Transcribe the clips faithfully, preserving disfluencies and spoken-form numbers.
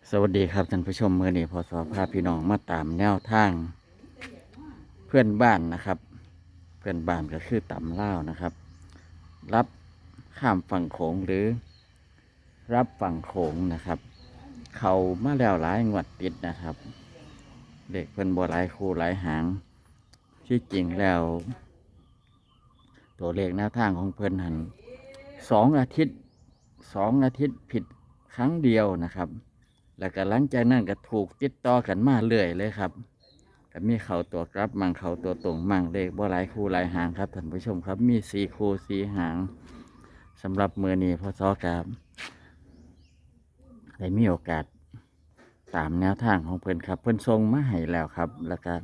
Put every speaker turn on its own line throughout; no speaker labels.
สวัสดีครับท่านผู้ชมเมื่อนี้พอสอพาพี่น้องมาตามแนวทางเพื่อนบ้านนะครับ เพื่อนบ้านก็คือต่ำเล่าวนะครับ รับข้ามฝั่งโขงหรือรับฝั่งโขงนะครับ เขามาแล้วหลายงวดติดนะครับเด็กเพื่อนบัวหลายคู่หลายหางที่จริงแล้ว ตัวเลขแนวทางของเพื่อนหันสองอาทิตย์สองอาทิตย์ผิดครั้งเดียวนะครับ แล้วก็หลังจากนั้นก็ถูกติดต่อกันมาเรื่อยเลยครับก็มีเข่าตัวกลับมั่งเข่าตัวตรงมั่งเลขบ่หลายคู่หลายหางครับท่านผู้ชมครับมีสี่คู่สี่หางสำหรับมือนี้พอซอกาได้มีโอกาสตามแนวทางของเพื่อนครับ เพื่อนทรงมาให้แล้วครับ แล้วก็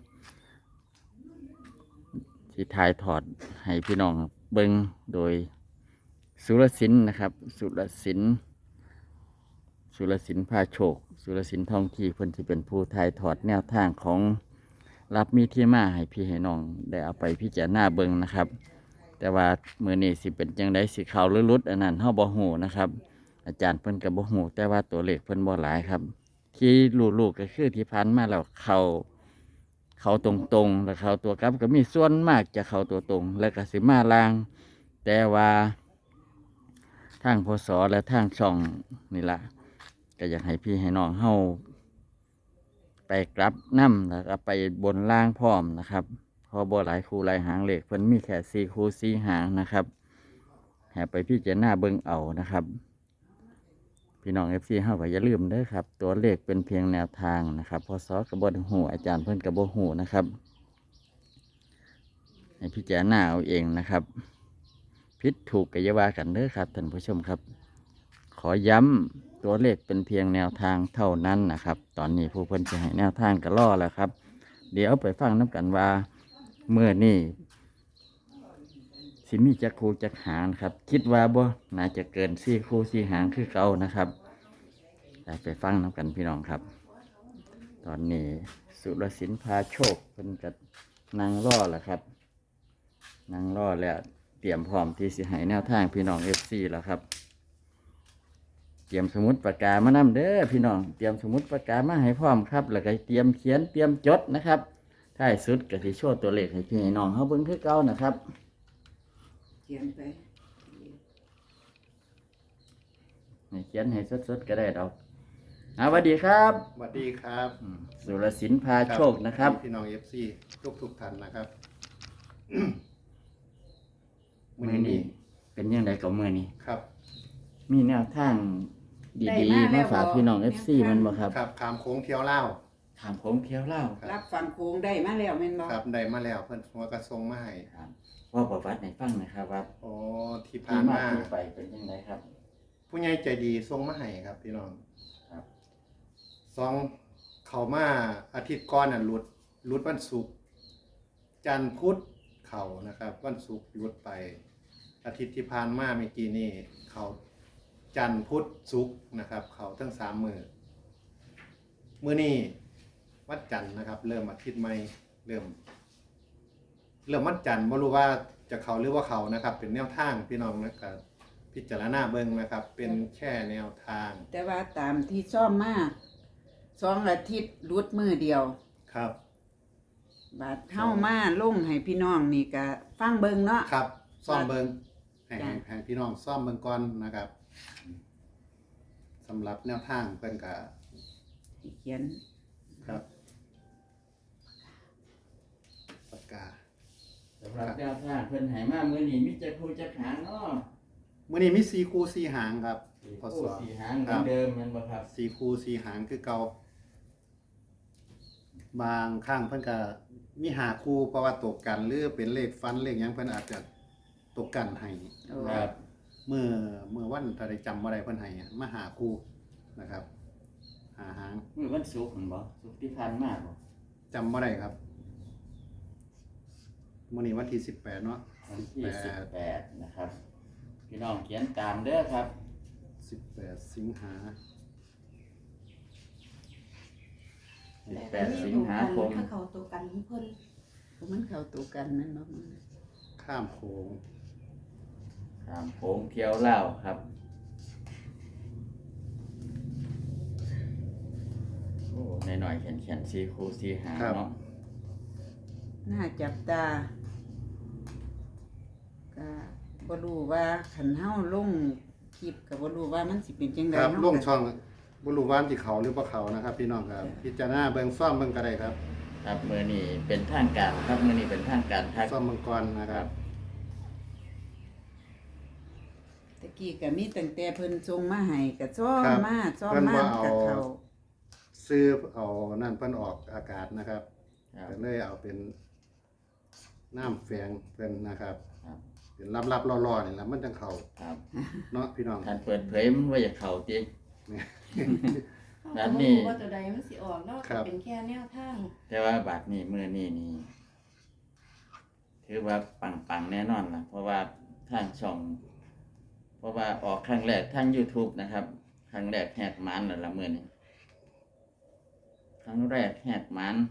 ที่ทายถอดให้พี่น้องเบิงโดยสุรศิลป์นะครับ สุรศิลป์สุรศิลป์พาโชค สุรศิลป์ทองที่เพิ่นที่เป็นผู้ทายถอดแนวทางของรับมีที่มาให้พี่ให้น้องได้เอาไปพิจารณาเบิงนะครับ แต่ว่ามือนี้สิเป็นจังไดสิเขาหรือลุดอันนั้นเฮาบ่ฮู้นะครับ อาจารย์เพิ่นก็บ่ฮู้แต่ว่าตัวเลขเพิ่นบ่หลายครับ ที่ลูกๆก็คือที่ผ่านมาแล้วเขาเขาตรงๆแล้วเขาตัวกลับก็มีส่วนมากจะเขาตัวตรง แล้วก็สิมาลาง แต่ว่าทางพศและทางช่องนี่ละก็อยากให้พี่ให้น้องเฮาไปกลับน้ำแล้วก็ไปบนล่างพร้อมนะครับเพอบ่หลายคู่หลายหางเลขเพิ่นมีแค่สี่คู่สี่หางนะครับให้ไปพี่เจารณาเบิ่งเอานะครับ พี่น้องเอฟซีเฮาก็อย่าลืมเด้อครับ ตัวเลขเป็นเพียงแนวทางนะครับพศกระบหูอาจารย์เพิ่นกระบหูนะครับให้พี่เจารณาเอาเองนะครับผิดถูกก็อย่าว่ากันเด้อครับท่านผู้ชมครับ ขอย้ำตัวเลขเป็นเพียงแนวทางเท่านั้นนะครับ ตอนนี้ผู้เพิ่นจะให้แนวทางก็ล่อแล้วครับ เดี๋ยวไปฟังน้ำกันว่าเมื่อนี่สิมีจักคูจักหางครับ คิดว่าบ่น่าจะเกินสี่คูสี่หางคือเก่านะครับไปฟังน้ำกันพี่น้องครับ ตอนนี้สุรศิลป์พาโชคเพิ่นกับนางล่อแล้วครับนางล่อแล้วเตรียมพร้อมที่สิให้แนวทางพี่น้องเอฟซีแล้วครับเตรียมสมุดปากกามานำเด้อพี่น้องเตรียมสมุดปากกามาให้พร้อมครับแล้วก็เตรียมเขียนเตรียมจดนะครับท้ายสุดก็สิโชว์ตัวเลขให้พี่ให้น้องเฮาเบิ่งคือเก่านะครับ
เขียนไป
ให้เขียนให้สดๆก็ได้ดอกสวัสดีครับ
สวัสดีครับ
สุรศิลป์พาโชคนะครับ
พี่น้องเอฟซีทุกทุกท่านนะครับ
มือนี้เป็นยังไงกับมือนี้
ครับ
มีแนวทางดีๆมาฝากพี่น้องเอฟซีมันบ่ครับ
ครับขามโค้งเที่ยวเล่า
ขามโค้งเที่ยวเล่า
รับฟังโค้งได้มาแล้วแม่นบ่
ครับได้มาแล้วเพิ่นหัวกระทรงมาให้
ครับว่าประวัติในฟังนะครับว่า
โอ้ที่ผ่านมา
ที่ไปเป็นยังไงครับ
ผู้ใหญ่ใจดีทรงมาให้ครับ พี่น้อง
ครับ
สองเขามาอาทิตย์ก่อนน่ะหลุดหลุดวันศุกร์จันทร์พุธเขานะครับวันศุกร์หลุดไป อาทิตย์ที่ผ่านมาเมื่อกี้นี่เขาจันทร์พุธศุกร์นะครับเขาทั้งสามมือมื้อนี้วัดจันทร์นะครับ เริ่มอาทิตย์ใหม่เริ่มเริ่มวัดจันทร์ไม่รู้ว่าจะเขาหรือว่าเขานะครับ เป็นแนวทางพี่น้องนะครับพิจารณาเบิ่งนะครับ เป็นแค่แนวทาง
แต่ว่าตามที่ซ่อมมาสองอาทิตย์รุดมือเดียว
ครับ
บาดเฮามาลงให้พี่น้องนี่ก็ฟังเบิ่งเนาะ
ครับซ่อมเบิ่งให้ให้พี่น้องซ่อมเบิ่งก่อนนะครับสำหรับแนวทางเพิ่นก็
เขียน
ครับปากกา
สำหรับแนวทางเพิ่นให้มามื้อนี้มีจักคู่จักหางเนาะ
มื้อนี้มีสี่คู่สี่หางครับ
พอสอบสี่หางเหมือนเดิมแม่นบ่ครับ
สี่คู่สี่หางคือเก่าบางครั้งเพิ่นก็มีหาคู่เพราะว่าตกกันหรือเป็นเลขฟันเลขหยังเพิ่นอาจจะตกกันให้
ครับ
เมื่อเมื่อวันถ้าได้จำบ่ได้เพิ่นให้มาหาคู่นะครับหาหาง
มื้อวันศุกร์หั่นบ่ศุกร์ที่ผ่านมาบ่
จำบ่ได้ครับมื้อนี้วันที่สิบแปดเนาะ
วันที่สิบแปดนะครับพี่น้องเขียนตามเด้อครับ
สิบแปดสิงหา
สิบแปดสิงหาคม
ถ้าเขาตัวกันเพิ่น
มันเข้าตัวกันนั่นบ่
ข้ามโขง
ข้ามโขงเที่ยวเล่าครับอยๆแขนๆสี่คู่สี่หาง
ครับ
เนาะ
น่าจับตาก็บ่รู้ว่าคันเฮาลงคลิปก็บ่รู้ว่ามันสิเป็นจังได
ครับ
เนาะ
ลงช่องบ่รู้ว่าสิเขาหรือบ่เขานะครับ พี่น้องครับพิจารณาเบิ่งซ่อมเบิ่งก็ได้ครับ
ครับมื้อนี้เป็นทางการครับมื้อนี้เป็นทางการทัก
ซ่อมเบิ่งก่อนนะครับ
ตะกี้ก็มีตั้งแต่เพิ่นส่งมาให้ก็ซ่อม
ครับ
มาซ่อม
เพิ่น
มา
บ่เอา
กับเขา
ซื้อเอานั่นเพิ่นออกอากาศนะครับ
ครับ
ก็เลยเอาเป็นน้ำแฝงเพิ่นนะครับ
ครับ
เป็นลับๆล่อๆนี่ล่ะมันจังเข้า
ครับ
เนาะพี่น้อง
ท่านเปิดเผยมันว่าอยากเข้าติ
เนี่ย
แบบ
เขาก็
นี้
บ่รู้ว่าตัวใดมันสิออกเนาะ
ครับ
เป็นแค่แนวทาง
แต่ว่าบาทนี้มื้อนี้นี่ถือว่าปังๆแน่นอนล่ะเพราะว่าทางช่อง เพราะว่าออกครั้งแรกทาง YouTube นะครับ ครั้งแรกแหกหมันแล้วละมื้อนี้ครั้งแรกแหกหมัน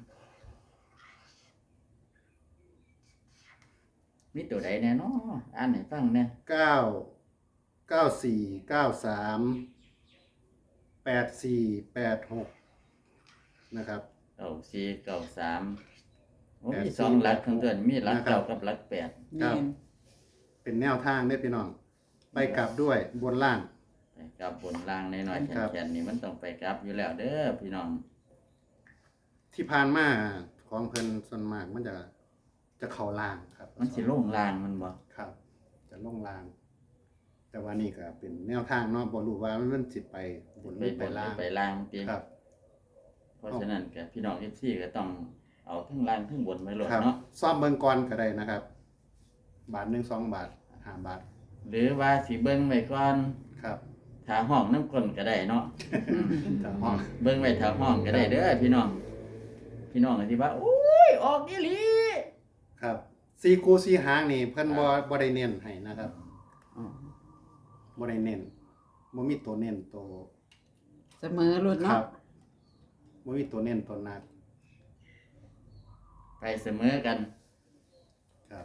มีตัวใดแน่เนาะอ่านให้ฟังแหน่
เก้า เก้าสี่ เก้าสาม แปดสี่ แปดหกนะครับ
เก้าสี่เก้าสามโอ้
แปด
มี
สี่
สองหลักทั้งตัวมีหลัก
นะครับ
เก้ากับหลักแปด
ครั
แม่
บ
น
เป็นแนวทางได้อพี่น้อง ไปกลับด้วยบนล่าง
ไปกลับบนล่างในน้อยๆ
ครับ
แขนๆนี่มันต้องไปกลับอยู่แล้วเด้อพี่น้อง
ที่ผ่านมาของเพิ่นส่วนมากมันจะจะเข้าล่างครับ
มันสิลงล่างมันบ่
ครับ จะลงล่าง แต่ว่านี่ก็เป็นแนวทางเนาะบ่รู้ว่ามันสิไปบนห
ไป
รือ
บ
ไป
นหรื
ล่า
อง ไปล่างติ
ครับ
เพราะฉะนั้นก็พี่น้อง เอฟ ซี ก็ต้องเอาทั้งล่างทั้งบนไว้โลด
ครับ
เนาะ
ซ่อมเบิ่งก่อนก็ได้นะครับ บาทหนึ่งสองบาทห้าบาท
หรือว่าสิเบิ่งไว้ก่อน
ครับ
ถ้าห้องน้ำก้นก็ได้เนาะ
แต่ห้อง
เบิ่งไว้ถ้าห้องก็ได้เด้อพี่น้อง พี่น้องก็สิว่าโอ้ยออกอีหลี
ครับซีคูซีหางนี่เพิ่นบ่บ่ได้เน้นให้นะครับ
อ๋อ
บ่ได้เน้นบ่มีตัวเน้นตัว
เสมอรุ่น
ค
เนาะ
รับบ่มีตัวเน้นตัวหนัก
ไปเสมอกัน
ครับ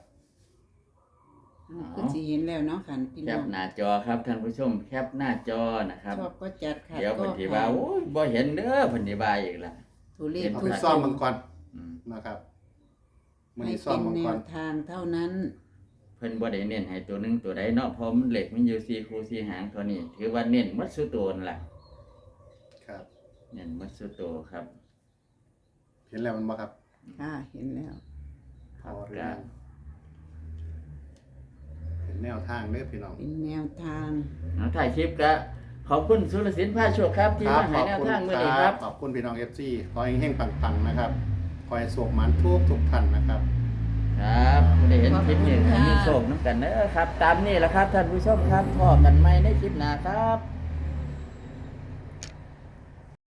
คือสิเห็นแล้วเนาะคันพี่
แค
น้อ
ป
ง
หน้าจอครับท่านผู้ชมแคปหน้าจอนะครับ
ชอบก็จัดค่ะ
เดี๋ยวเพิ่นสิว่าโอ้ยบ่เห็นเด้อเพิ่นสิว่าอีกล่ะ
ตัวเลข
เอา
ทุ
ไป
ก
ซ่อมเบิ่งก่อน
อืม
นะครับมื้อ
ให้
นี้ซ่อ
เป็
ม
น
เบิ่ง
แน
ก่อ
วน ทางเท่านั้น
เพิ่นบ่ได้เน้นให้ตัวหนึงตัวใดเนาะเพราะมันเหล็กมันอยู่สี่คู่สี่หางตัวนี้ ถือว่าเน้นหมัดสุดตัวนั่นล่ะ
ครับ
เน้นหมัดสุดตัวครับ
เห็นแล้วมันบ่ครับ
ค่ะเห็นแล้ว
ครับ
พอเรื่
ก็
องเป็นแนวทางเด้อพี่น้อง
เป็นแนวทาง
เอาถ่ายคลิปก็ขอบคุณสุรศิลป์พาโชคครับที่มาให้แนวทางมื้อนี้ครับ
ขอบคุณพี่น้อง เอฟ ซี ขอให้เฮงๆปังๆนะครับขอให้สุขมันทุกทุกท่านนะครับ
ครับไม่ได้เห็นคลิปนี้
ขอบคุณค่ะ
มีโชคน้ำกันเด้อครับ ตามนี้แหละครับท่านผู้ชมครับพบกันใหม่ในคลิปหน้าครับ